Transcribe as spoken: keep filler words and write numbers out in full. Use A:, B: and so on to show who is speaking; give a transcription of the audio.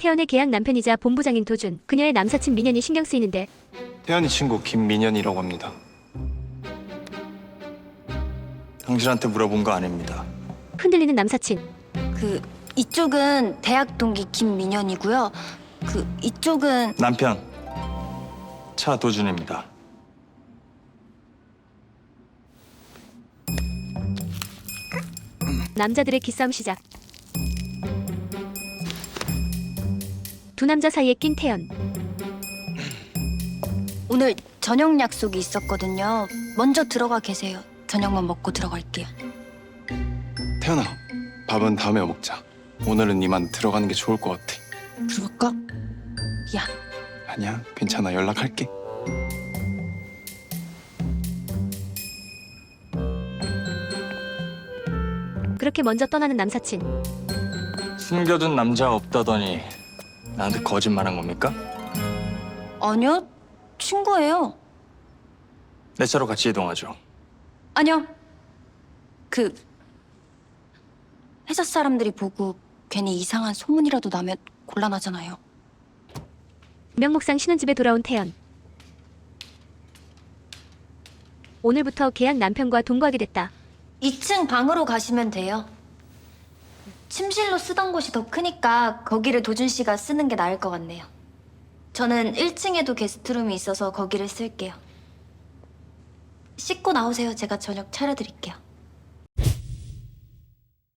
A: 태연의 계약 남편이자 본부장인 도준, 그녀의 남사친 민현이 신경 쓰이는데
B: 태연이 친구 김민현이라고 합니다. 당신한테 물어본 거 아닙니다.
A: 흔들리는 남사친.
C: 그 이쪽은 대학 동기 김민현이고요. 그 이쪽은
B: 남편 차도준입니다.
A: 남자들의 기싸움 시작. 두 남자 사이에 낀 태연.
C: 오늘 저녁 약속이 있었거든요. 먼저 들어가 계세요. 저녁만 먹고 들어갈게요.
B: 태연아, 밥은 다음에 먹자. 오늘은 이만 들어가는 게 좋을 것 같아.
C: 그럴까? 야,
B: 아니야, 괜찮아. 연락할게.
A: 그렇게 먼저 떠나는 남사친.
B: 숨겨둔 남자 없다더니 나한테 거짓말한 겁니까?
C: 아니요. 친구예요.
B: 내 차로 같이 이동하죠.
C: 아니요. 그 회사 사람들이 보고 괜히 이상한 소문이라도 나면 곤란하잖아요.
A: 명목상 신혼집에 돌아온 태연. 오늘부터 계약 남편과 동거하게 됐다.
C: 이 층 방으로 가시면 돼요. 침실로 쓰던 곳이 더 크니까 거기를 도준 씨가 쓰는 게 나을 것 같네요. 저는 일 층에도 게스트룸이 있어서 거기를 쓸게요. 씻고 나오세요. 제가 저녁 차려드릴게요.